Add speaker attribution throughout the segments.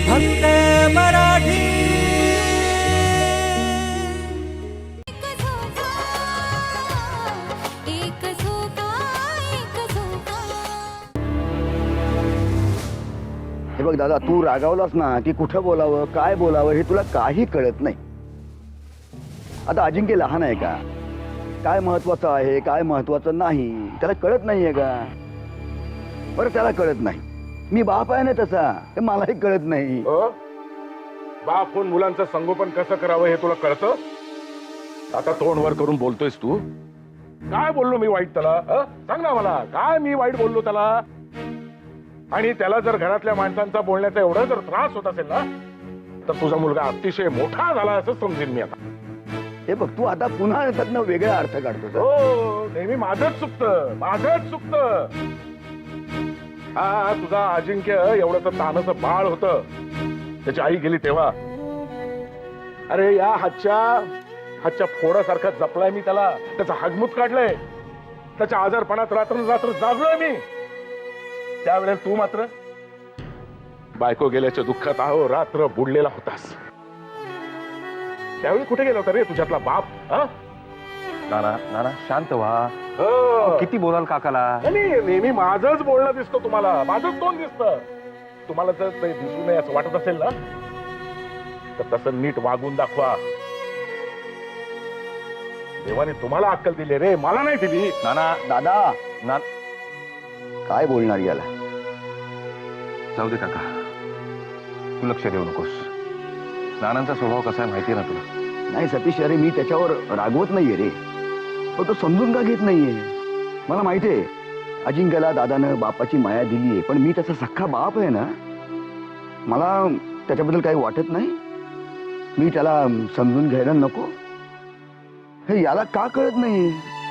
Speaker 1: फक्त मराठी।
Speaker 2: हे बघ दादा, तू रागावलास ना की कुठं बोलावं काय बोलावं हे तुला काही कळत नाही। आता अजिंक्य लहान आहे का? काय महत्वाचं आहे काय महत्वाचं नाही त्याला कळत नाहीये का? बरं त्याला कळत नाही, मी बाप आहे ना तसा, हे मलाही कळत नाही।
Speaker 3: बाप होऊन मुलांचं संगोपन कसं करावं हे तुला कळतं? आता तोंड वर करून बोलतोयस तू? काय बोललो मी वाईट त्याला? सांग ना मला, काय मी वाईट बोललो त्याला? आणि त्याला जर घरातल्या माणसांचा बोलण्याचा एवढा जर त्रास होत असेल ना, तर तुझा मुलगा अतिशय मोठा झाला असं समजेन मी आता।
Speaker 2: हे बघ, तू आता पुन्हा त्यातनं वेगळा अर्थ काढतोस।
Speaker 3: हो, नेहमी माझंच चुकतं, माझंच चुकतं। हा तुझा अजिंक्य एवढंच तानाचं बाळ होतं, त्याची आई गेली तेव्हा। अरे या हातच्या फोडासारखा जपलाय मी त्याला, त्याचा हगमूत काढलाय, त्याच्या आजारपणात रात्र जागलोय मी। त्यावेळेस तू मात्र बायको गेल्याच्या दुःखात आहो रात्र बुडलेला होतास। त्यावेळी कुठे गेला होता रे तुझ्यातला बाप?
Speaker 4: नाना नाना शांत व्हा। किती बोलाल काकाला?
Speaker 3: नेहमी माझंच बोलणं दिसतं तुम्हाला, माझंच तोंड दिसतं तुम्हाला। जर ते दिसू नये असं वाटत असेल ना, तर तसं नीट वागून दाखवा। देवाने तुम्हाला अक्कल दिली रे, मला नाही दिली।
Speaker 4: नाना
Speaker 2: दादा
Speaker 4: ना
Speaker 2: काय बोलणार याला?
Speaker 4: जाऊ दे काका, तू लक्ष देऊ नकोस। नानांचा स्वभाव कसा आहे माहितीये ना तुला?
Speaker 2: नाही सतीश, अरे मी त्याच्यावर रागवत नाहीये रे, पण तो समजून का घेत नाहीये? मला माहितीये अजिंक्यला दादानं बापाची माया दिलीये, पण मी त्याचा सख्खा बाप आहे ना, मला त्याच्याबद्दल काही वाटत नाही? मी त्याला समजून घ्यायला नको? हे याला का कळत नाही?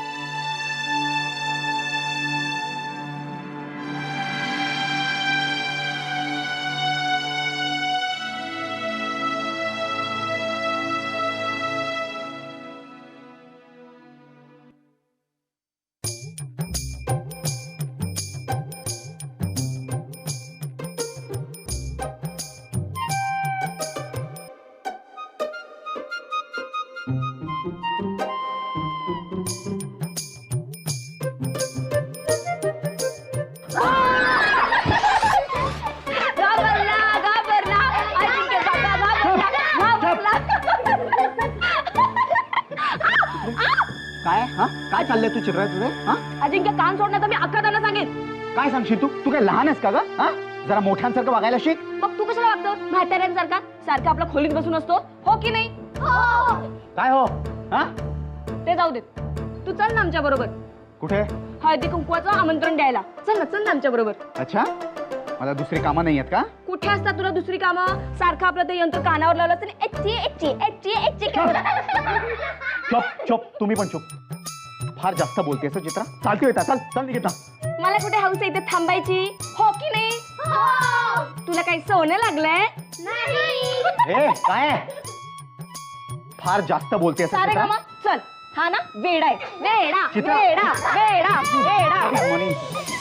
Speaker 5: काय काय चाललंय तू चित्रात तुझे?
Speaker 6: अजिंक्य कान सोडण्याचं मी अख्खा त्यांना सांगेन।
Speaker 5: काय सांगशील तू काय लहान आहेस का ग? जरा मोठ्यांसारखं वागायला शिक।
Speaker 6: मग तू कशाला वागतो म्हाताऱ्यांसारखा? सारखा आपल्या खोलीत बसून असतो, हो की नाही?
Speaker 5: काय हो?
Speaker 6: ते जाऊ देत, तू चल ना आमच्या बरोबर।
Speaker 5: कुठे?
Speaker 6: हळदी कुंकवाचं आमंत्रण द्यायला चल ना आमच्या बरोबर।
Speaker 5: अच्छा, मला दुसरी कामं नाही आहेत का?
Speaker 6: कुठे असतात तुला दुसरी कामं? सारखं आपलं ते यंत्र कानावर लावलं तर
Speaker 5: चुप चुप, तुम्ही पण चुप। फार जास्त बोलतेस चित्रा, चालती होता, चल चल निघिता।
Speaker 6: मला कुठे हौस आहे इथे थांबायची, हो की नाही? तुला काही सोनं लागलंय?
Speaker 5: हे काय फार जास्त बोलतेस
Speaker 6: सारे
Speaker 5: चित्रा?
Speaker 6: कामा चल। हा ना वेडा आहे, वेडा
Speaker 5: चित्रा.
Speaker 6: वेडा वेडा वेडा।
Speaker 5: मनी.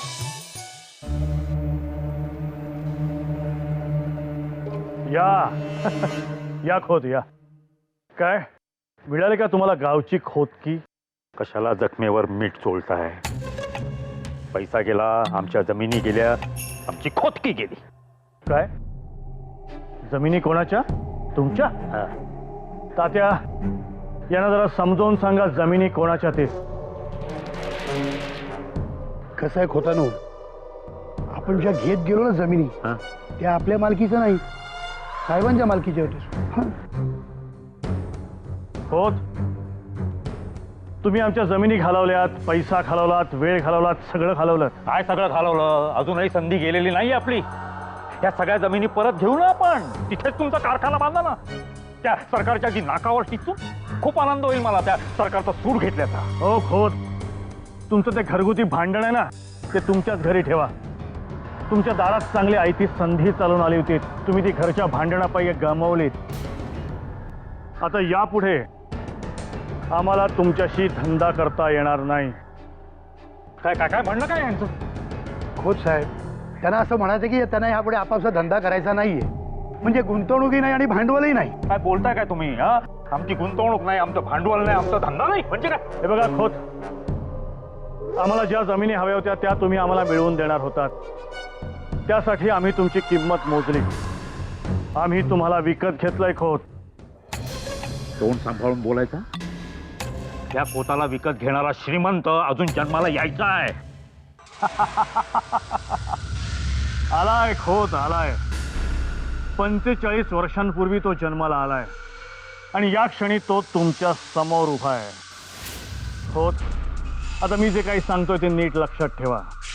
Speaker 7: या खोत या। काय मिळाले का तुम्हाला गावची खोदकी? कशाला जखमेवर मीठ चोळताय? पैसा गेला, आमच्या जमिनी गेल्या, आमची खोदकी गेली। काय जमिनी कोणाच्या? तुमच्या? तात्या यांना जरा समजावून सांगा जमिनी कोणाच्या ते।
Speaker 8: कसं आहे खोतानो, आपण ज्या घेत गेलो ना जमिनी, त्या आपल्या मालकीचं नाही, साहेबांच्या मालकीच्या होत्या।
Speaker 7: होत तुम्ही आमच्या जमिनी घालवल्यात, पैसा घालवलात, वेळ घालवलात, सगळं घालवलं।
Speaker 4: काय सगळं घालवलं? अजूनही संधी गेलेली नाही आपली। या सगळ्या जमिनी परत घेऊ ना आपण, तिथेच तुमचा कारखाना बांधा ना। त्या सरकारच्या जी नाकावर टिचून खूप आनंद होईल मला त्या सरकारचा सूड घेतल्याचा।
Speaker 7: हो खोत, तुमचं ते घरगुती भांडण आहे ना, ते तुमच्याच घरी ठेवा। तुमच्या दारात चांगली आयती संधी चालून आली होती, तुम्ही ती घरच्या भांडणापायी गमावलीत। आता यापुढे आम्हाला तुमच्याशी धंदा करता येणार नाही।
Speaker 4: काय काय काय म्हणणं काय यांचं?
Speaker 8: खोत साहेब, त्यांना असं म्हणायचं की त्यांना यापुढे आपापसा धंदा करायचा नाहीये, म्हणजे गुंतवणुकी नाही आणि भांडवलही नाही.
Speaker 4: काय बोलताय काय तुम्ही? हा, आमची गुंतवणूक नाही, आमचं भांडवल नाही, आमचा धंदा नाही म्हणजे काय?
Speaker 7: हे बघा खोत, आम्हाला ज्या जमिनी हव्या होत्या त्या तुम्ही आम्हाला मिळवून देणार होतात. त्यासाठी आम्ही तुमची किंमत मोजली. आम्ही तुम्हाला विकत घेतलंय खोत.
Speaker 4: तोंड सांभाळून बोलायचा. त्या खोताला विकत घेणारा श्रीमंत अजून जन्माला यायचा आहे.
Speaker 7: आलाय खोत, आलाय. 45 वर्षांपूर्वी तो जन्माला आलाय आणि या क्षणी तो तुमच्या समोर उभा आहे. खोत, आता मी जे काही सांगतोय ते नीट लक्षात ठेवा.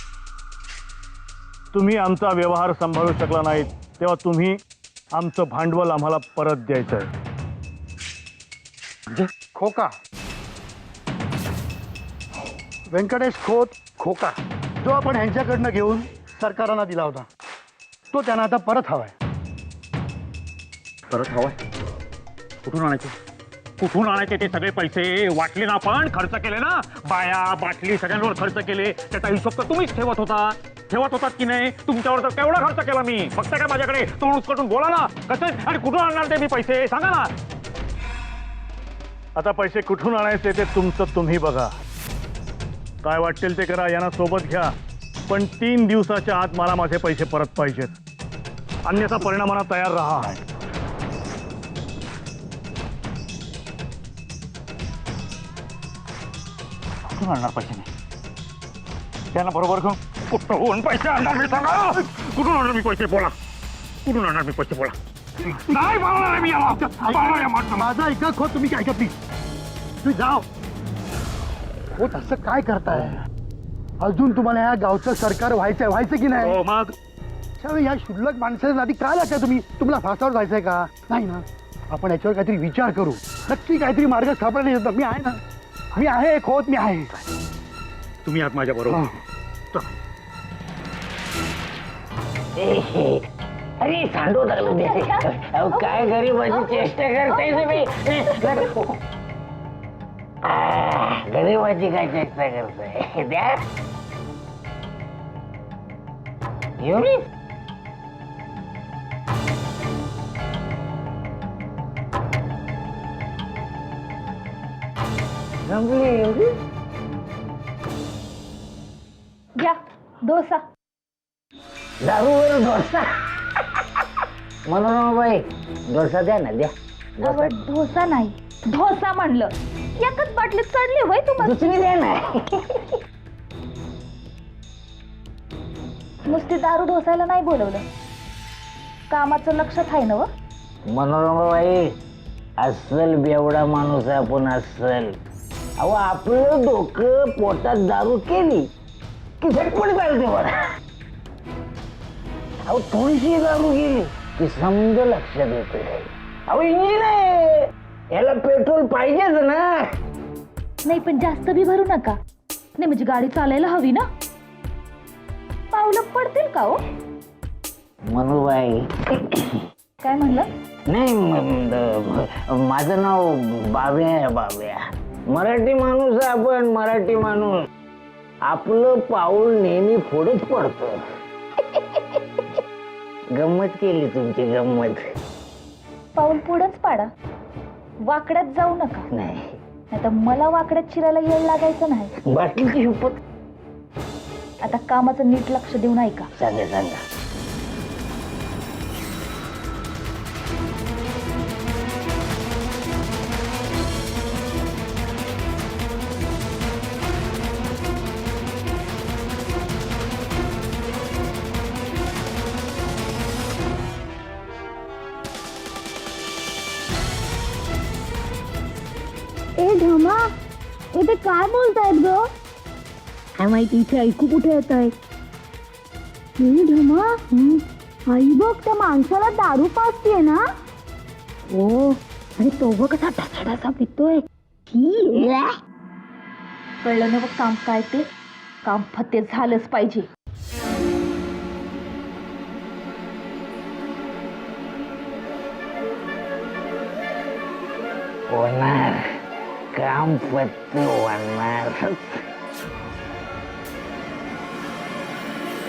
Speaker 7: तुम्ही आमचा व्यवहार सांभाळू शकला नाहीत तेव्हा तुम्ही आमचं भांडवल आम्हाला परत द्यायचं आहे.
Speaker 8: खोका, व्यंकटेश खोत खोका, जो आपण ह्यांच्याकडनं घेऊन सरकारांना दिला होता तो त्यांना आता परत हवाय.
Speaker 4: परत हवाय? कुठून आणायचे? कुठून आणायचे ते सगळे पैसे? वाटले ना आपण, खर्च केले ना, बाया बाटली सगळ्यांवर खर्च केले. त्याचा हिशोब तर तुम्हीच ठेवत होतात की नाही? तुमच्यावर तर केवढा खर्च केला मी. फक्त काय माझ्याकडे तोंड उचकटून बोला ना, कसं आणि कुठून आणणार ते मी पैसे सांगा ना.
Speaker 7: आता पैसे कुठून आणायचे ते तुमचं तुम्ही बघा. काय वाटेल ते करा, यांना सोबत घ्या, पण 3 दिवसाच्या आत मला माझे पैसे परत पाहिजेत. अन्यथा परिणामाला तयार राहा.
Speaker 4: कुठून आणणार पैसे नाही? त्यांना बरोबर घेऊन कुठून पैसे आणणार मी सांगा? कुठून आणणार मी पैसे बोला? कुठून आणणार मी पैसे बोला? नाही बोलणार आहे मी याला. बोलणार आहे म्हटलं.
Speaker 8: माझा ऐका खोत, तुम्ही काय ऐका प्लीज. तुम्ही जाओ. खोत, असं काय करताय? अजून तुम्हाला ह्या गावचं सरकार व्हायचं की नाही?
Speaker 4: हो मग
Speaker 8: त्यावेळी ह्या शुल्लक माणसाच्या आधी काय लागतं? तुम्हाला फासावर जायचंय का? नाही ना. आपण याच्यावर काहीतरी विचार करू. नक्की काहीतरी मार्ग सापडला येतो. मी आहे ना, मी आहे खोत, मी आहे.
Speaker 4: तुम्ही आहात माझ्या बरोबर.
Speaker 9: अरे सांडू लागलो ते. अहो, काय गरीबाची चेष्टा करताय तुम्ही? गरीबाची काय चेष्टा करताय? द्या एवढी जमली एवढी?
Speaker 6: घ्या डोसा.
Speaker 9: दारूवर डोसा. मनोरमाबाई डोसा द्या ना, द्या.
Speaker 6: अहो, डोसा नाही, ढोसा म्हणलं. एकच बाटलीत चढले होय तुम्हाला.
Speaker 9: दुसरी द्या ना.
Speaker 6: नुसती दारू ढोसायला नाही बोलवलं. कामाचं लक्षात आहे ना?
Speaker 9: मनोरमाबाई अस्सल बेवडा माणूस आहे आपण, अस्सल. अहो, आपलं डोकं पोटात दारू केली की झटपट चालते बरं. अहो, थोडीशी दारू गेली की समज लक्षात येते. अहो, इंजिन आहे, याला पेट्रोल पाहिजेच ना.
Speaker 6: नाही पण जास्त बी भरू नका. नाही म्हणजे गाडी चालायला हवी ना. पावलं पडतील का हो?
Speaker 9: मनोबाई
Speaker 6: काय म्हणलं?
Speaker 9: नाही, माझं नाव बाब्या आहे, बाब्या. मराठी माणूस आहे आपण, मराठी माणूस. आपलं पाऊल नेहमी पुढेच पडतं. गंमत केली तुमची, गंमत.
Speaker 6: पाऊल पुढंच पाडा, वाकड्यात जाऊ नका.
Speaker 9: नाही,
Speaker 6: नाहीतर मला वाकड्यात शिरायला येळ लागायचं नाही.
Speaker 9: बाटलीची शपथ.
Speaker 6: आता कामाचं नीट लक्ष देऊन ऐका.
Speaker 9: सांगा सांगा.
Speaker 6: ए ढमा, इथे काय बोलतायत ग? काय माहिती, इथे ऐकू कुठे येत आहे? ढमा, आई बघ त्या माणसाला दारू पाजतीये ना. हो, आणि तो बघ कसा ढासा पितोय. कळलं ना बघ काम काय ते. काम फत्ते झालंच पाहिजे.
Speaker 9: होणार काम पत्ते होणार.